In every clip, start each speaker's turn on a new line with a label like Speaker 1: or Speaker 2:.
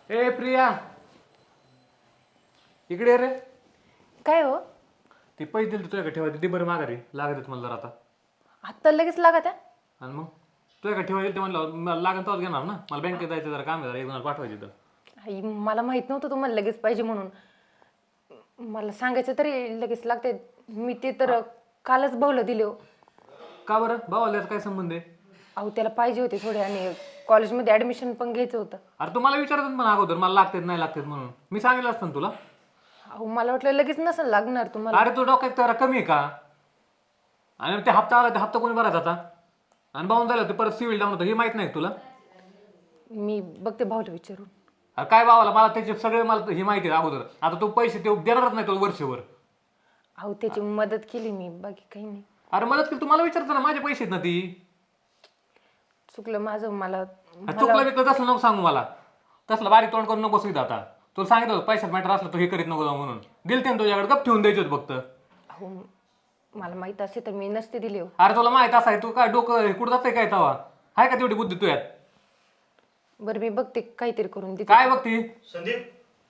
Speaker 1: ए प्रिया, इकडे ये रे.
Speaker 2: काय हो?
Speaker 1: ती पैसे दिले तुझ्याकडे ठेवायचे दे बरं माघारी लागत मला जरा आता.
Speaker 2: आत्ता लगेच लागत आहे?
Speaker 1: आणि मग तुझ्याकडे ठेवायचे ते म्हणलं मला लागेल तेव्हाच घेणार ना. मला बँकेत जायचं जरा काम आहे, जरा एक जण पाठवायचे तर.
Speaker 2: आई, मला माहित नव्हतं तुम्हाला लगेच पाहिजे म्हणून. मला सांगायचं तरी लगेच लागते. मी ते तर कालच भाऊला दिले हो.
Speaker 1: का बरं भावाला काय संबंध आहे?
Speaker 2: अहो, त्याला पाहिजे होते थोडे आणि कॉलेजमध्ये ॲडमिशन पण घ्यायचं होतं.
Speaker 1: अरे तू मला विचारत पण अगोदर मला लागतात नाही लागतात म्हणून मी सांगितलं असतं ना तुला.
Speaker 2: अहो, मला वाटलं लगेच नसेल लागणार तुम्हाला.
Speaker 1: अरे तू डोक्यात जरा कमी आहे का? आणि ते हप्ता आला ते हप्ता कोणी भरायचा आता? आणि बाहून झालं ते परत सिव्हिल डाऊन होतं हे माहित नाही का तुला?
Speaker 2: मी बघते भाऊला विचारून.
Speaker 1: अरे काय भावाला मला त्याचे सगळे मला ही माहिती आहे अगोदर. आता तू पैसे ते देणारच नाही तुला वर्षभर.
Speaker 2: अहो, त्याची मदत केली मी, बाकी काही नाही.
Speaker 1: अरे मदत केली तुम्हाला विचारतो ना माझे पैसे आहेत ना ती.
Speaker 2: चुकलं माझं. मला
Speaker 1: चुकलं बिकलं तसलं नको सांगू मला. तसलं बारीक तोंड करून नको बसू आता. तुला सांगितलं होतं पैशात मॅटर असलं तर हे करीत नको जाऊ म्हणून. दिलते ना तुझ्याकडे गप ठेवून द्यायचे होते फक्त.
Speaker 2: अहो, मला माहित असे तर मी नसते दिले हो.
Speaker 1: अरे तुला माहित असं आहे तू काय डोकं कुठं जातंय काय तवा? आहे का तेवढी बुद्धी तुझ्यात?
Speaker 2: बरं, मी बघते काहीतरी करून देते.
Speaker 1: काय बघती?
Speaker 3: संदीप,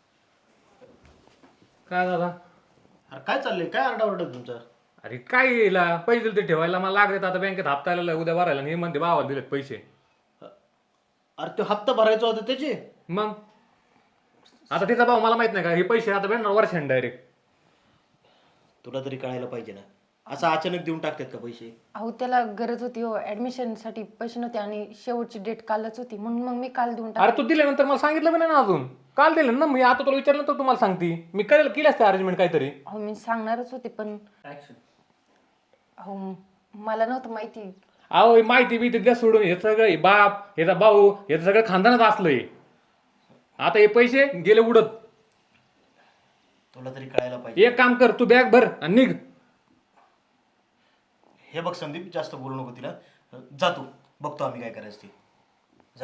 Speaker 1: काय दादा?
Speaker 3: अरे काय चाललंय? काय आरडाओरडा तुमचा?
Speaker 1: अरे काय येईला पैसे दिले ते ठेवायला मला लागले आता बँकेत हप्ता आलेला उद्या भरायला आणि हे म्हणते भावाला दिलेत पैसे.
Speaker 3: अरे तो हप्ता भरायचा होता त्याचे?
Speaker 1: मग आता तिचा भाऊ मला माहित नाही का हे पैसे आता भेटणार वर्षाने डायरेक्ट.
Speaker 3: तुला तरी कळायला पाहिजे ना, असं अचानक देऊन टाकतात का पैसे?
Speaker 2: अहो, त्याला गरज होती हो, ॲडमिशनसाठी पैसे नव्हते आणि शेवटची डेट कालच होती म्हणून मग मी काल देऊन
Speaker 1: अरे तू दिल्यानंतर मला सांगितलं पण नाही ना अजून. काल दिलं ना मी. आता तुला विचारलं तर तुम्हाला सांगते मी करेल केली असते अरेंजमेंट काहीतरी.
Speaker 2: अहो, मी सांगणारच होते पण अहो, मला नव्हतं माहिती.
Speaker 1: अहो ही माहिती बी द्या सोडून हे सगळं हे बाप ह्याचा भाऊ हे सगळं खानदानच असलंय. आता हे पैसे गेले उडत.
Speaker 3: तुला तरी कळायला पाहिजे.
Speaker 1: एक काम कर तू बॅग भर आणि निघ.
Speaker 3: हे बघ संदीप, जास्त बोलू नको तिला. जा तू, बघतो आम्ही काय करायचं ते. जा.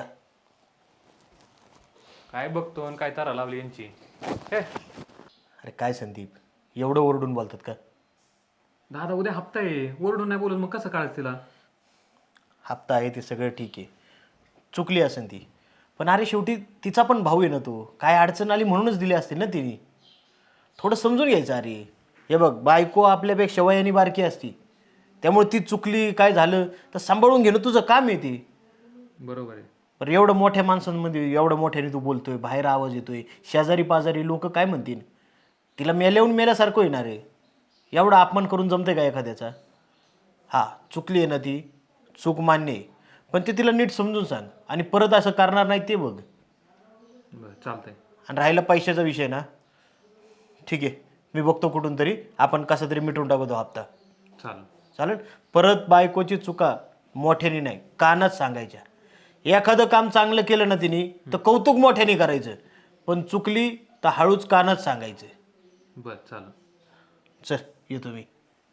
Speaker 1: काय बघतो आणि काय तारा लावली यांची. हे
Speaker 3: अरे काय संदीप, एवढं ओरडून बोलतात का?
Speaker 1: दादा उद्या हप्ता आहे ओरडून नाही बोलत मग कसं काढायचं तिला?
Speaker 3: हप्ता आहे ते सगळं ठीक आहे, चुकली असेल ती. पण अरे शेवटी तिचा पण भाऊ आहे ना तो. काय अडचण आली म्हणूनच दिली असतील ना तिने. थोडं समजून घ्यायचं. अरे हे बघ, बायको आपल्यापेक्षा वयाने बारकी असती, त्यामुळे ती चुकली काय झालं तर सांभाळून घेणं तुझं काम आहे ते.
Speaker 1: बरोबर आहे.
Speaker 3: पण एवढं मोठ्या माणसांमध्ये एवढं मोठ्याने तू बोलतोय, बाहेर आवाज येतोय, शेजारी पाजारी लोक काय म्हणतील? तिला मेल्याहून मेल्यासारखं येणार आहे. एवढा अपमान करून जमतंय का एखाद्याचा? हा, चुकली आहे ना ती, चूक मान्य आहे, पण ते तिला नीट समजून सांग आणि परत असं करणार नाही ते बघ.
Speaker 1: बरं चालतंय.
Speaker 3: आणि राहिला पैशाचा विषय ना, ठीक आहे, मी बघतो कुठून तरी आपण कसं तरी मिटवून टाकू तो हप्ता.
Speaker 1: चालेल.
Speaker 3: चालेल. परत बायकोची चुका मोठ्याने नाही कानात सांगायच्या. एखादं काम चांगलं केलं ना तिने तर कौतुक मोठ्याने करायचं, पण चुकली तर हळूच कानात सांगायचं.
Speaker 1: बरं चालेल.
Speaker 3: चल येतो मी.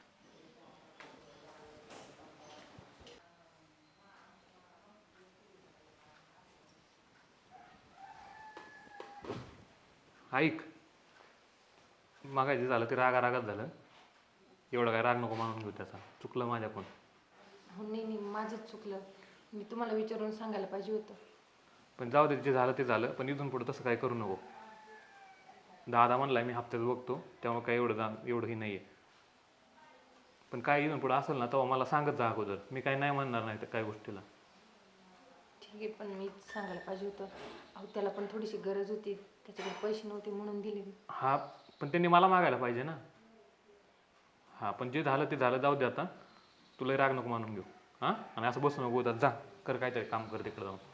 Speaker 1: ऐक मागायचं झालं ते रागात झालं. एवढं काय राग नको मानून घेऊ त्याचा. चुकलं माझ्याकडून.
Speaker 2: हो, नाही माझंच चुकलं. मी तुम्हाला विचारून सांगायला पाहिजे होतं.
Speaker 1: पण जाऊ दे जे झालं ते झालं. पण इथून पुढं तसं काय करू नको. दादा म्हणलाय मी हप्त्यात बघतो त्यामुळे काय एवढंही नाही आहे. पण काय इथून पुढं असेल ना तेव्हा मला सांगत जा अगोदर. मी काय नाही म्हणणार नाही तर काय गोष्टीला.
Speaker 2: ठीक आहे, पण मी सांगायला पाहिजे होतं. अहो, त्याला पण थोडीशी गरज होती, त्याच्याकडे पैसे नव्हते म्हणून दिले मी.
Speaker 1: हा पण त्यांनी मला मागायला पाहिजे ना. हां पण जे झालं ते झालं. जाऊ दे आता. तुला राग नको मानून घेऊ. हां आणि असं बसू नको. जा कर काहीतरी काम कर तिकडे जाऊन.